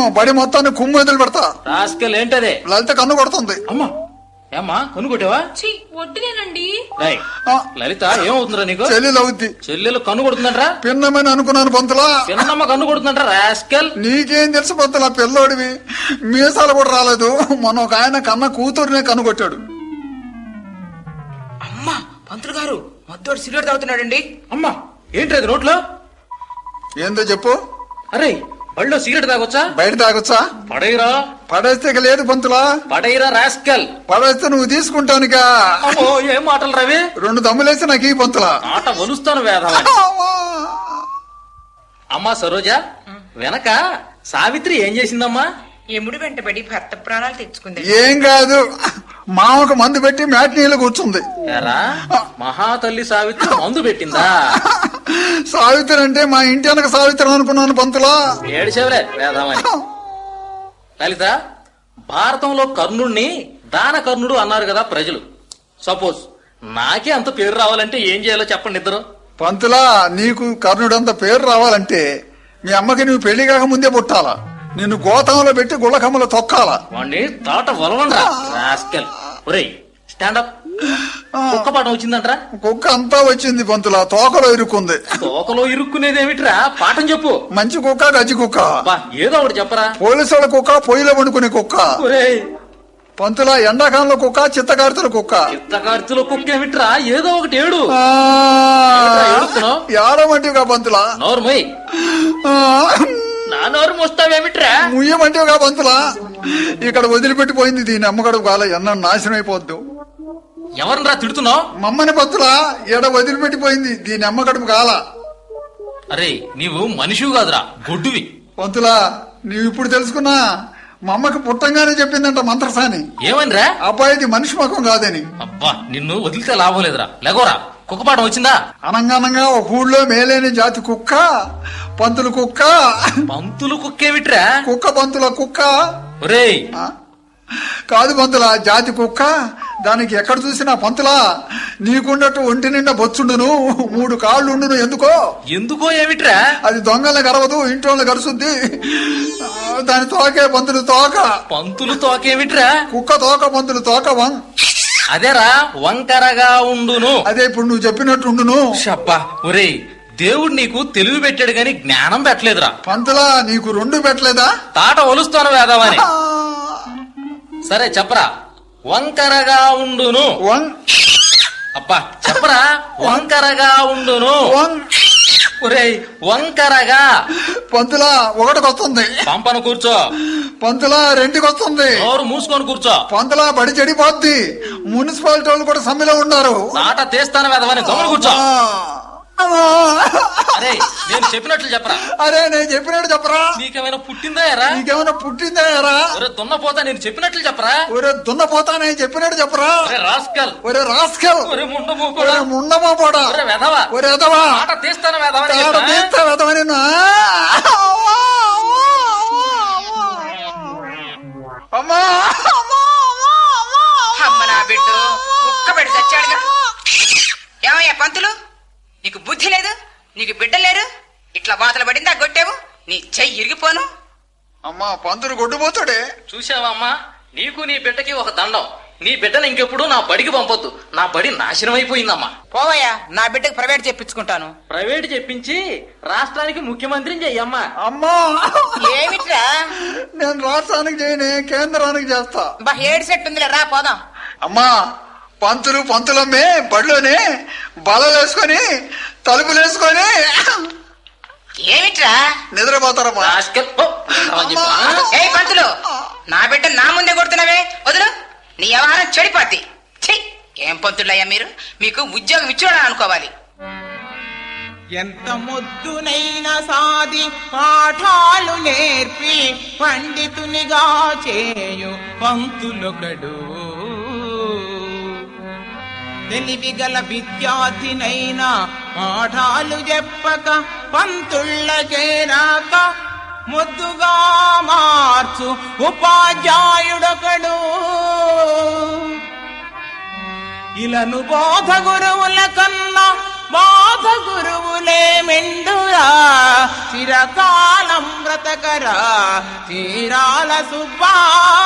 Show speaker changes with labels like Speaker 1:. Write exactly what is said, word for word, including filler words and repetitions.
Speaker 1: బడి మొత్తాన్ని కుమ్ము వదిలి పెడతా.
Speaker 2: రాస్కల్ ఏంటదే?
Speaker 1: లలిత కన్ను కొడుతుంది.
Speaker 2: అమ్మా ఏమ్మా కన్ను కొట్టావా?
Speaker 3: వడ్డీనేనండి.
Speaker 2: లలిత ఏమవుతుందిరా నీకు?
Speaker 1: చెల్లెలు అవుద్ది.
Speaker 2: చెల్లెలు కన్ను కొడుతుందంటరా?
Speaker 1: పిన్నమని అనుకున్నాను పంతులా.
Speaker 2: పిన్నమ్మ కన్ను కొడుతుందంట రాస్కల్.
Speaker 1: నీకేం తెలుసు పంతులా, పిల్లోడివి, మీసాలు కూడా రాలేదు. మన ఒక ఆయన కన్న కూతురునే కన్ను కొట్టాడు.
Speaker 4: అమ్మా పంతులు గారు మద్దోడు సిగరెట్ తాగుతున్నాడండి.
Speaker 2: అమ్మా ఏంటి నోట్లో?
Speaker 1: ఏందో చెప్పు.
Speaker 2: అరే బళ్ళో సిగరెట్ తాగొచ్చా?
Speaker 1: బయట తాగొచ్చా?
Speaker 2: పడైరా.
Speaker 1: పడేస్తే లేదు పంతులా.
Speaker 2: పడైరా రాస్కల్.
Speaker 1: పడేస్తే నువ్వు తీసుకుంటానుగా.
Speaker 2: ఏం మాటలు రవి?
Speaker 1: రెండు దమ్ములేసి నాకు ఈ పంతులా.
Speaker 2: ఆట వలుస్తాను వేధ. అమ్మా సరోజా, వెనక సావిత్రి ఏం చేసిందమ్మా?
Speaker 4: ఎముడు వెంటబడి భర్త ప్రాణాలు తెచ్చుకుంది.
Speaker 1: ఏం కాదు, మామకు మందు పెట్టి మ్యాట్నీలో కూర్చుంది.
Speaker 2: మహాతల్లి సావిత్రి మందు పెట్టిందా?
Speaker 1: సావిత్రి అంటే మా ఇంటి వెనక సావిత్రి అనుకున్నాను పంతులా.
Speaker 2: ఏడిచేవలే వేదామని. లలిత, భారతంలో కర్ణుడిని దాన కర్ణుడు అన్నారు కదా ప్రజలు. సపోజ్ నాకే అంత పేరు రావాలంటే ఏం చేయాలో చెప్పండి ఇద్దరు.
Speaker 1: పంతులా, నీకు కర్ణుడంత పేరు రావాలంటే మీ అమ్మకి నువ్వు పెళ్లి కాక ముందే పుట్టాలా. నిన్ను గోతంలో పెట్టి గుళ్ళకమ్మలో తొక్కాలా.
Speaker 2: వాణ్ణి తాట వలవండ్రా రాస్కల్. ఒరేయ్ స్టాండప్. కుక్క పాఠం వచ్చిందంటరా?
Speaker 1: కుక్క అంతా వచ్చింది పంతులా, తోకలో ఇరుక్కుంది.
Speaker 2: తోకలో ఇరుక్కునేదేమిట్రా? పాఠం చెప్పు.
Speaker 1: మంచి కుక్క గజ్జి కుక్క.
Speaker 2: ఏదో ఒకటి చెప్పరా.
Speaker 1: పోలీసు వాళ్ళ కుక్క, పొయ్యిలో వండుకునే కుక్క.
Speaker 2: ఒరేయ్
Speaker 1: పంతులా, ఎండాకాలంలో కుక్క, చిత్తకార్తెల కుక్క.
Speaker 2: చిత్తకార్తెల కుక్క ఏమిట్రా? ఏదో ఒకటి ఏడు.
Speaker 1: ఏడమంటివిగా పంతులా.
Speaker 2: నోర్మై. నా నోరు మోస్తావేమిట్రా?
Speaker 1: ముయ్యమంటివిగా పంతులా. ఇక్కడ వదిలిపెట్టిపోయింది దీని అమ్మగడుపు కాల, ఎన్న నాశనం అయిపోద్దు.
Speaker 2: ఎవరినరా తిడుతున్నావు?
Speaker 1: మమ్మని పంతులా, ఎడ వదిలిపెట్టిపోయింది దీని అమ్మగడుపు కాల.
Speaker 2: అరే నీవు మనిషివి కాదురా, గొడ్డువి.
Speaker 1: పంతులా, నీవు ఇప్పుడు తెలుసుకున్నా. మా అమ్మకి పుట్టంగానే చెప్పిందంట మంత్రసాని.
Speaker 2: ఏమనిరా?
Speaker 1: అబ్బాయిది మనిషి ముఖం కాదని.
Speaker 2: అబ్బా నిన్ను వదిలితే లాభం లేదురా. లేకోరా. కుక్కపాఠం వచ్చిందా?
Speaker 1: అనంగానంగా ఒక ఊళ్ళో మేలేని జాతి కుక్క పంతులు కుక్క.
Speaker 2: పంతులు కుక్కేమిట్రా?
Speaker 1: కుక్క పంతుల కుక్క.
Speaker 2: ఒరేయ్
Speaker 1: కాదు పంతులా, జాతి కుక్క. దానికి ఎక్కడ చూసినా పంతులా నీకుండట్టు ఒంటి నిండా బొచ్చుండును, మూడు కాళ్ళు ఉండును. ఎందుకో
Speaker 2: ఎందుకో ఏమిట్రా?
Speaker 1: అది దొంగల గరవదు, ఇంటి వాళ్ళ గరుసుద్ది. దాని తోకే పంతులు తోక.
Speaker 2: పంతులు తోకేమిట్రా?
Speaker 1: కుక్క తోక, పంతులు తోక. వం
Speaker 2: అదేరా వంకరగా ఉండును.
Speaker 1: అదే ఇప్పుడు నువ్వు చెప్పినట్టు ఉండును.
Speaker 2: షబ్బా. ఒరేయ్ దేవుడు నీకు తెలివి పెట్టాడు గాని జ్ఞానం పెట్టలేదురా.
Speaker 1: పంతులా, నీకు రెండు పెట్టలేదా?
Speaker 2: తాట ఒలుస్తాను వేదవని. సరే చెప్పరా. వంకరగా ఉండును. అబ్బా చెప్పరా. వంకరగా ఉండును. ఒరేయ్ వంకరగా.
Speaker 1: పంతులా ఒకటికొస్తుంది.
Speaker 2: పంపను కూర్చో.
Speaker 1: పంతులా రెండుకొస్తుంది.
Speaker 2: నోరు మూసుకొని కూర్చో.
Speaker 1: పంతులా బడి చెడిపోద్ది. మున్సిపాలిటీ వాళ్ళు కూడా సమ్మెలో ఉన్నారు.
Speaker 2: తాట తీస్తాను వేదవని. గమని కూర్చో. అరే నేను చెప్పినట్లు చెప్పరా.
Speaker 1: అరే నేను చెప్పినట్టు చెప్పరా.
Speaker 2: నీకేమైనా పుట్టిందా ఎరా?
Speaker 1: నీకేమైనా పుట్టిందా ఎరా?
Speaker 2: ఒరే దున్నపోతా నేను చెప్పినట్లు చెప్పరా.
Speaker 1: ఒరే దున్నపోతా నేను చెప్పినట్టు చెప్పరా.
Speaker 2: ఒరే రాస్కల్.
Speaker 1: ఒరే రాస్కల్.
Speaker 2: ఒరే ముండమోపోడా.
Speaker 1: ముండమోపోడా.
Speaker 2: ఒరే వెధవా.
Speaker 1: ఒరే వెధవా.
Speaker 2: తాట తీస్తాను వేదవని.
Speaker 1: తాట తీస్తా వెధవని. అమ్మా
Speaker 4: అమ్మ నా బిడ్డ కుక్క పెడి చచ్చాడుగా. ఏమయ్యా పంతులు, నీకు బుద్ధి లేదు, నీకు బిడ్డ లేరు, ఇట్లా బాతలు పడిందా గొట్టావు, నీ చెయ్యి ఇరిగిపోను.
Speaker 1: అమ్మా పంతులు గొడ్డుపోతాడే.
Speaker 2: చూసావా అమ్మా, నీకు నీ బిడ్డకి ఒక దండం. నీ బిడ్డను ఇంకెప్పుడు నా బడికి పంపొద్దు. నా బడి నాశనం అయిపోయిందమ్మా.
Speaker 4: పోవయ్యా, నా బిడ్డకి ప్రైవేట్ చెప్పించుకుంటాను.
Speaker 2: ప్రైవేట్ చెప్పించి రాష్ట్రానికి ముఖ్యమంత్రిని చెయ్యమ్మా.
Speaker 1: అమ్మా
Speaker 4: ఏమిట్రా?
Speaker 1: నేను రాష్ట్రానికి చేయనే, కేంద్రానికి చేస్తా.
Speaker 4: బా ఏడు సెట్ ఉందిలే, రా పోదాం.
Speaker 1: అమ్మా పంతులు పంతులమ్మే బడిలోనే బలలేసుకొని తలుపులేసుకొని
Speaker 4: ఏమిట్రా
Speaker 1: నిద్రపోతారమ్మా.
Speaker 4: ఏ పంతులు, నా బిడ్డ నా ముందే కొడుతున్నావే, వదులు, నీ వ్యవహారం చెడిపోద్ది. ఛీ, ఏం పంతులయ్యా మీరు, మీకు ఉద్యోగం ఇచ్చాడని అనుకోవాలి.
Speaker 5: ఎంత ముద్దునైనా సాది పాఠాలు నేర్పి పండితునిగా చేయు పంతులొకడు, తెలివిగల విద్యార్థినైనా పాఠాలు చెప్పక పంతుళ్ళ చేరాక ముద్దుగా మార్చు ఉపాధ్యాయుడొకడు. ఇలను బోధ గురువుల కన్నా బాధ వ్యాస గురువులే మెండురా చిరకాలం బ్రతకరా చీరాల సుబ్బా